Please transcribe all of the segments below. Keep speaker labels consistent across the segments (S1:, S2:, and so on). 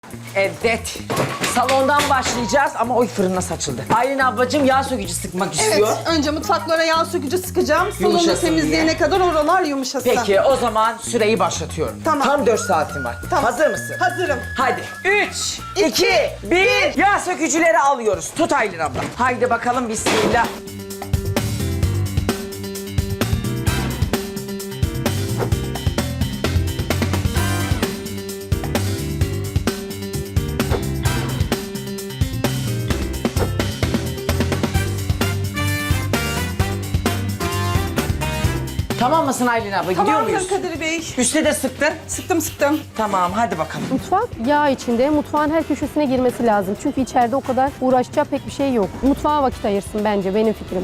S1: Evet. Salondan başlayacağız ama oy fırına saçıldı. Aylin ablacığım yağ sökücü sıkmak istiyor.
S2: Evet, önce mutfaklara yağ sökücü sıkacağım. Salonu
S1: Yumuşasın
S2: temizleyene
S1: diye.
S2: kadar oralar yumuşasın.
S1: Peki o zaman süreyi başlatıyorum.
S2: Tamam.
S1: Tam 4 saatin var.
S2: Tamam.
S1: Hazır mısın?
S2: Hazırım.
S1: Hadi 3, 2, 1. Yağ sökücüleri alıyoruz. Tut Aylin abla. Haydi bakalım bismillah. Tamam mısın Aylin abla? Gidiyor
S2: Tamamdır
S1: muyuz?
S2: Kadir Bey.
S1: Üste de sıktın.
S2: Sıktım.
S1: Tamam hadi bakalım.
S3: Mutfak yağ içinde. Mutfağın her köşesine girmesi lazım. Çünkü içeride o kadar uğraşacağı pek bir şey yok. Mutfağa vakit ayırsın bence, benim fikrim.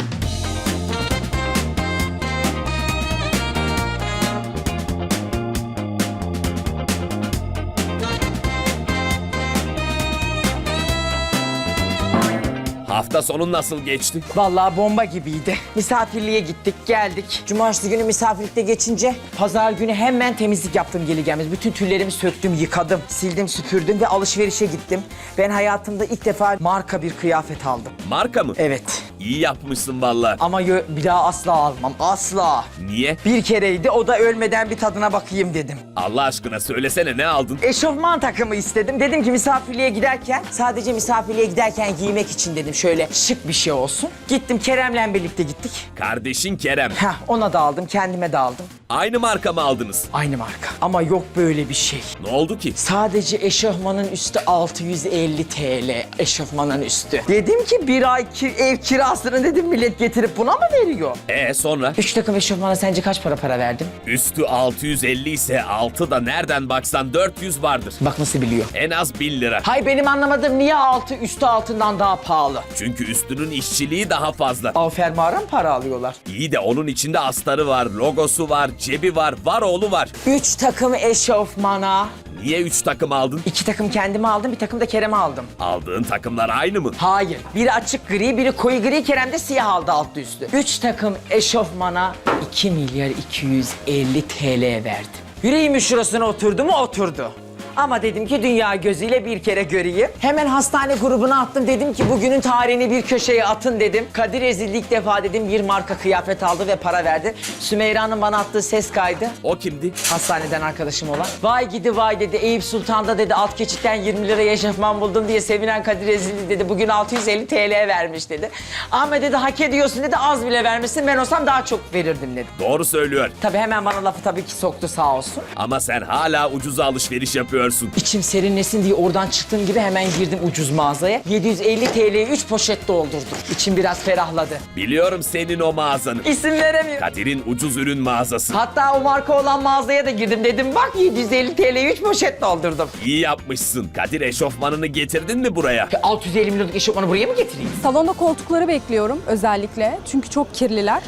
S4: Hafta sonu nasıl geçti?
S1: Vallahi bomba gibiydi. Misafirliğe gittik, geldik. Cumartesi günü misafirlikte geçince pazar günü hemen temizlik yaptım geri gelmez. Bütün tüllerimi söktüm, yıkadım, sildim, süpürdüm ve alışverişe gittim. Ben hayatımda ilk defa marka bir kıyafet aldım.
S4: Marka mı?
S1: Evet.
S4: İyi yapmışsın valla.
S1: Ama bir daha asla almam, asla.
S4: Niye?
S1: Bir kereydi, o da ölmeden bir tadına bakayım dedim.
S4: Allah aşkına söylesene ne aldın?
S1: Eşofman takımı istedim. Dedim ki misafirliğe giderken, sadece misafirliğe giderken giymek için dedim. Şöyle şık bir şey olsun. Gittim, Kerem'le birlikte gittik.
S4: Kardeşin Kerem.
S1: Heh, ona da aldım, kendime de aldım.
S4: Aynı marka mı aldınız?
S1: Aynı marka. Ama yok böyle bir şey.
S4: Ne oldu ki?
S1: Sadece eşofmanın üstü 650 TL. Eşofmanın üstü. Dedim ki bir ay ev kirasını dedim millet getirip buna mı veriyor?
S4: Sonra?
S1: 3 takım eşofmana sence kaç para verdim?
S4: Üstü 650 ise altı da nereden baksan 400 vardır.
S1: Bak nasıl biliyor.
S4: En az 1000 lira.
S1: Hay benim anlamadığım niye altı üstü altından daha pahalı?
S4: Çünkü üstünün işçiliği daha fazla.
S1: Av fermuara mı para alıyorlar?
S4: İyi de onun içinde astarı var, logosu var, cebi var, var oğlu var.
S1: 3 takım eşofmana.
S4: Niye 3 takım aldın?
S1: 2 takım kendime aldım, bir takım da Kerem'e aldım.
S4: Aldığın takımlar aynı mı?
S1: Hayır. Biri açık gri, biri koyu gri, Kerem de siyah aldı altlı üstü. 3 takım eşofmana 2 milyar 250 TL verdim. Yüreğimin şurasına oturdu mu? Oturdu. Ama dedim ki dünya gözüyle bir kere göreyim. Hemen hastane grubuna attım. Dedim ki bugünün tarihini bir köşeye atın dedim. Kadir Ezildi ilk defa dedim bir marka kıyafet aldı ve para verdi. Sümeyra'nın bana attığı ses kaydı.
S4: O kimdi?
S1: Hastaneden arkadaşım olan. Vay gidi vay dedi. Eyüp Sultan'da dedi alt geçitten 20 liraya eşofman buldum diye sevinen Kadir Ezildi dedi. Bugün 650 TL vermiş dedi. Ahmet dedi hak ediyorsun dedi. Az bile vermişsin. Ben olsam daha çok verirdim dedi.
S4: Doğru söylüyor.
S1: Tabii hemen bana lafı tabii ki soktu sağ olsun.
S4: Ama sen hala ucuza alışveriş yapıyorsun.
S1: İçim serinlesin diye oradan çıktığım gibi hemen girdim ucuz mağazaya. 750 TL'ye 3 poşet doldurdum. İçim biraz ferahladı.
S4: Biliyorum senin o mağazanı.
S1: İsim veremiyorum.
S4: Kadir'in ucuz ürün mağazası.
S1: Hatta o marka olan mağazaya da girdim. Dedim bak 750 TL'ye 3 poşet doldurdum.
S4: İyi yapmışsın. Kadir eşofmanını getirdin mi buraya?
S1: 650 milyonluk eşofmanı buraya mı getireyim?
S5: Salonda koltukları bekliyorum özellikle. Çünkü çok kirliler.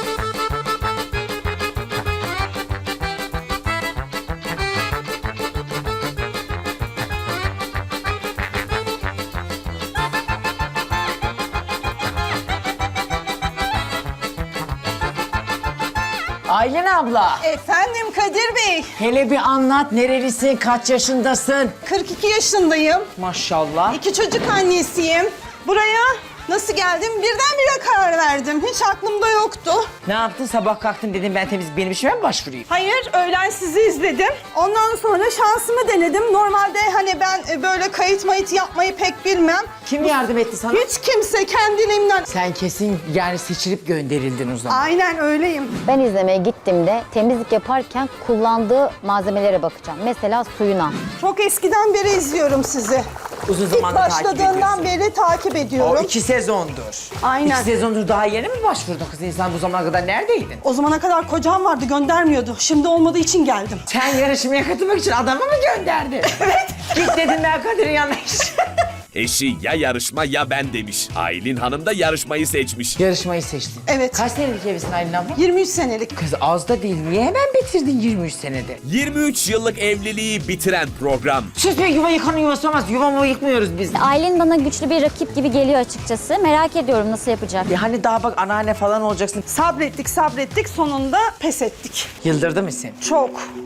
S1: Aylin abla.
S2: Efendim Kadir Bey.
S1: Hele bir anlat nerelisin, kaç yaşındasın?
S2: 42 yaşındayım.
S1: Maşallah.
S2: 2 çocuk annesiyim. Buraya nasıl geldim? Birdenbire karar verdim. Hiç aklımda yoktu.
S1: Ne yaptın sabah kalktın dedim ben benim işime mi başvurayım?
S2: Hayır, öğlen sizi izledim. Ondan sonra şansımı denedim. Normalde hani ben böyle kayıt mayıt yapmayı pek bilmem.
S1: Kim yardım etti sana?
S2: Hiç kimse kendiliğimden...
S1: Sen kesin yani seçilip gönderildin o zaman.
S2: Aynen öyleyim.
S6: Ben izlemeye gittiğimde temizlik yaparken kullandığı malzemelere bakacağım. Mesela suyuna.
S2: Çok eskiden beri izliyorum sizi.
S1: Uzun
S2: İlk
S1: zamandır takip
S2: başladığından
S1: ediyorsun.
S2: beri takip
S1: O
S2: ediyorum.
S1: 2 sezondur.
S2: Aynen.
S1: 2 sezondur daha yeni mi başvurdun kız? İnsan bu zamana kadar neredeydin?
S2: O zamana kadar kocam vardı, göndermiyordu. Şimdi olmadığı için geldim.
S1: Sen yarışmaya katılmak için adamı mı gönderdin? Evet. Git dedim ben Kadir'in yanına.
S4: Eşi ya yarışma ya ben demiş. Aylin Hanım da yarışmayı seçmiş.
S1: Yarışmayı seçtin.
S2: Evet.
S1: Kaç senelik evlisin Aylin abla?
S2: 23 senelik.
S1: Kız az da değil. Niye hemen bitirdin 23 senede?
S4: 23 yıllık evliliği bitiren program.
S1: Sus be yuva yıkanın yuvası olmaz. Yuvamı yıkmıyoruz biz.
S6: Aylin bana güçlü bir rakip gibi geliyor açıkçası. Merak ediyorum nasıl yapacak.
S1: Ya hani daha bak anneanne falan olacaksın.
S2: Sabrettik, sonunda pes ettik.
S1: Yıldırdı mı seni?
S2: Çok.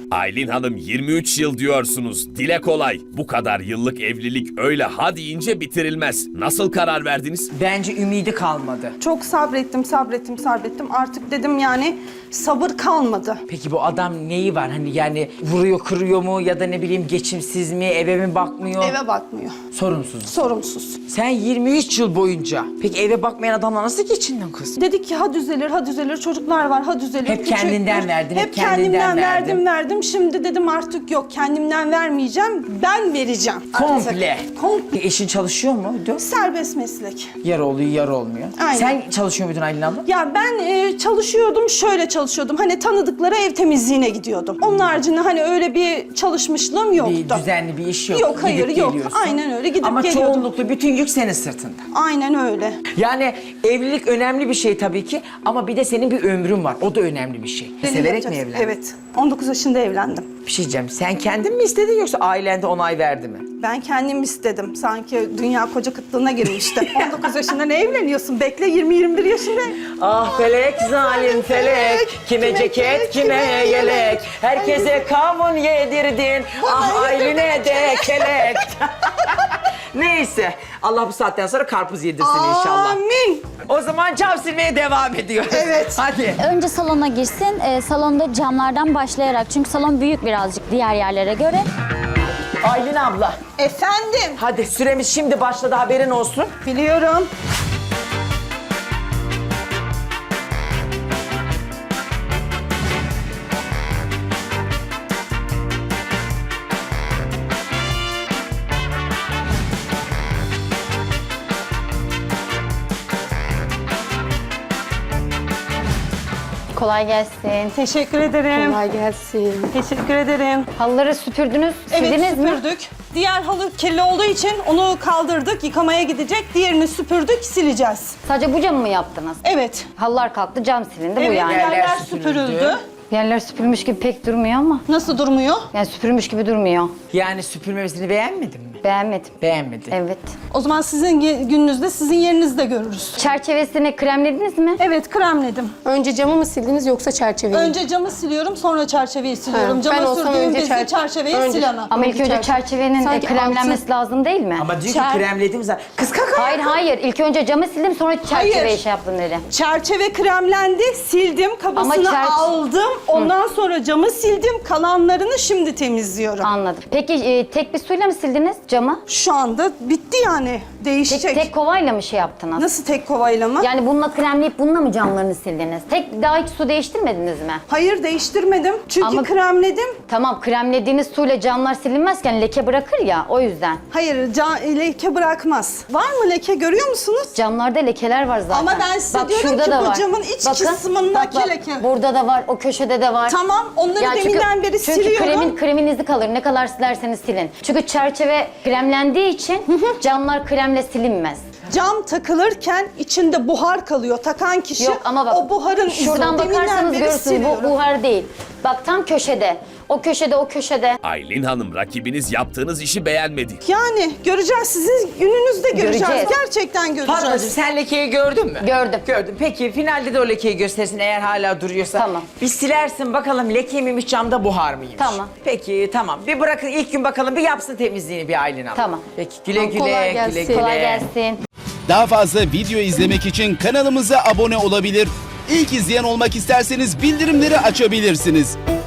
S4: Aylin Hanım 23 yıl diyorsunuz. Dile kolay. Bu kadar yıllık evlilik öyle ha deyince bitirilmez. Nasıl karar verdiniz?
S1: Bence ümidi kalmadı.
S2: Çok sabrettim. Artık dedim yani sabır kalmadı.
S1: Peki bu adam neyi var? Hani yani vuruyor, kırıyor mu ya da ne bileyim geçimsiz mi, eve mi bakmıyor?
S2: Eve bakmıyor.
S1: Sorumsuz.
S2: Sorumsuz.
S1: Sen 23 yıl boyunca peki eve bakmayan adamla nasıl geçindin kız?
S2: Dedik ki ha düzelir, çocuklar var, ha düzelir.
S1: Hep kendinden verdin,
S2: Hep kendimden verdim. Şimdi dedim artık yok, kendimden vermeyeceğim, ben vereceğim.
S1: Komple.
S2: Artık. Komple.
S1: Eşin çalışıyor mu?
S2: Serbest meslek.
S1: Yarı oluyor, yarı olmuyor.
S2: Aynen.
S1: Sen çalışıyor muydun Aylin abla?
S2: Ya ben çalışıyordum, şöyle çalışıyordum. Hani tanıdıklara ev temizliğine gidiyordum. Onun haricinde hani öyle bir çalışmışlığım yoktu.
S1: Bir düzenli bir iş yok.
S2: Yok, hayır,
S1: Gidip
S2: yok.
S1: geliyorsun.
S2: Aynen öyle, gidip
S1: Ama
S2: geliyordum.
S1: çoğunlukla bütün yük senin sırtında.
S2: Aynen öyle.
S1: Yani evlilik önemli bir şey tabii ki ama bir de senin bir ömrün var. O da önemli bir şey. Severek mi
S2: Yapacaksın.
S1: evlendin?
S2: Evet. 19 yaşında evlendim.
S1: Bir şey diyeceğim. Sen kendin mi istedin yoksa ailen de onay verdi mi?
S2: Ben kendim istedim. Sanki dünya koca kıtlığına girmişti. 19 yaşında ne evleniyorsun? Bekle 20-21 yaşında.
S1: Ah felek zalim felek, kime ceket kime yelek, herkese kavun yedirdin, ah Aylin'e de kelek. Neyse, Allah bu saatten sonra karpuz yedirsin inşallah.
S2: Amin.
S1: O zaman cam silmeye devam ediyoruz.
S2: Evet.
S1: Hadi.
S7: Önce salona girsin. Salonda camlardan başlayarak. Çünkü salon büyük birazcık diğer yerlere göre.
S1: Aylin abla,
S2: Efendim.
S1: hadi süremiz şimdi başladı, haberin olsun.
S2: Biliyorum.
S6: Kolay gelsin.
S2: Teşekkür ederim.
S3: Kolay gelsin.
S2: Teşekkür ederim.
S6: Halıları süpürdünüz,
S2: Evet,
S6: sildiniz mi?
S2: süpürdük. Diğer halı kirli olduğu için onu kaldırdık, yıkamaya gidecek. Diğerini süpürdük, sileceğiz.
S6: Sadece bu camı mı yaptınız?
S2: Evet.
S6: Halılar kalktı, cam silindi bu
S2: Evet,
S6: yani.
S2: yerler
S1: süpürüldü.
S2: süpürüldü.
S6: Yerler süpürülmüş gibi pek durmuyor ama.
S2: Nasıl durmuyor?
S6: Yani süpürülmüş gibi durmuyor.
S1: Yani süpürmemesini beğenmedin mi?
S6: Beğenmedim.
S1: Beğenmedin.
S6: Evet.
S2: O zaman sizin gününüzde, sizin yerinizde görürüz.
S6: Çerçevesini kremlediniz mi?
S2: Evet, kremledim.
S3: Önce camı mı sildiniz yoksa çerçeveyi?
S2: Önce camı siliyorum, sonra çerçeveyi siliyorum.
S3: ben
S2: Cama
S3: olsam
S2: sürdüğüm
S3: önce
S2: bezi çerçeveyi
S3: önce-
S2: sil ana.
S6: Ama ilk önce çerçevenin
S3: Sanki
S6: kremlenmesi lazım değil mi?
S1: Ama diyor ki
S2: Çer-
S1: kremledim zaten. Kız kaka.
S6: Hayır hayır. İlk önce camı sildim sonra çerçeveyi
S2: Hayır.
S6: şey yaptım dedi.
S2: Çerçeve kremlendi, sildim, kabasını
S6: Ama
S2: aldım. Ondan sonra camı sildim, kalanlarını şimdi temizliyorum.
S6: Anladım. Peki tek bir suyla mı sildiniz camı?
S2: Şu anda bitti yani, değişecek.
S6: Tek kovayla mı şey yaptınız?
S2: Nasıl tek kovayla mı?
S6: Yani bununla kremleyip bununla mı camlarını sildiniz? Daha hiç su değiştirmediniz mi?
S2: Hayır, değiştirmedim. Çünkü
S6: Ama-
S2: kremledim.
S6: Tamam kremlediğiniz suyla camlar silinmezken leke bırakır ya o yüzden.
S2: Hayır, leke bırakmaz. Var mı leke, görüyor musunuz?
S6: Camlarda lekeler var zaten.
S2: Ama ben size diyorum
S6: şurada
S2: ki
S6: da
S2: bu
S6: var.
S2: camın iç kısmındaki leke.
S6: Burada da var, o köşede de var.
S2: Tamam, onları
S6: Yani
S2: deminden beri
S6: çünkü
S2: siliyorum.
S6: kremin izi kalır. Ne kadar silerseniz silin. Çünkü çerçeve kremlendiği için camlar kremle silinmez.
S2: Cam takılırken içinde buhar kalıyor. Takan kişi
S6: Yok ama bak
S2: o buharın
S6: şuradan
S2: izini deminden
S6: bakarsanız
S2: beri
S6: görürsünüz bu
S2: siliyorum.
S6: buhar değil. Bak tam köşede. O köşede.
S4: Aylin Hanım rakibiniz yaptığınız işi beğenmedi.
S2: Yani göreceğiz, sizin gününüzde göreceğiz.
S6: Göreceğiz.
S2: Gerçekten göreceğiz.
S1: Fatmacığım sen lekeyi gördün mü?
S6: Gördüm.
S1: Gördüm. Peki finalde de o lekeyi göstersin eğer hala duruyorsa.
S6: Tamam.
S1: Bir silersin bakalım leke miymiş camda buhar mıymış?
S6: Tamam.
S1: Peki tamam. Bir bırakın ilk gün bakalım bir yapsın temizliğini bir Aylin abla.
S6: Tamam.
S1: Peki güle
S3: Tamam,
S1: güle
S3: kolay
S1: güle
S3: gelsin.
S1: güle.
S6: Kolay gelsin.
S8: Daha fazla video izlemek için kanalımıza abone olabilir. İlk izleyen olmak isterseniz bildirimleri açabilirsiniz.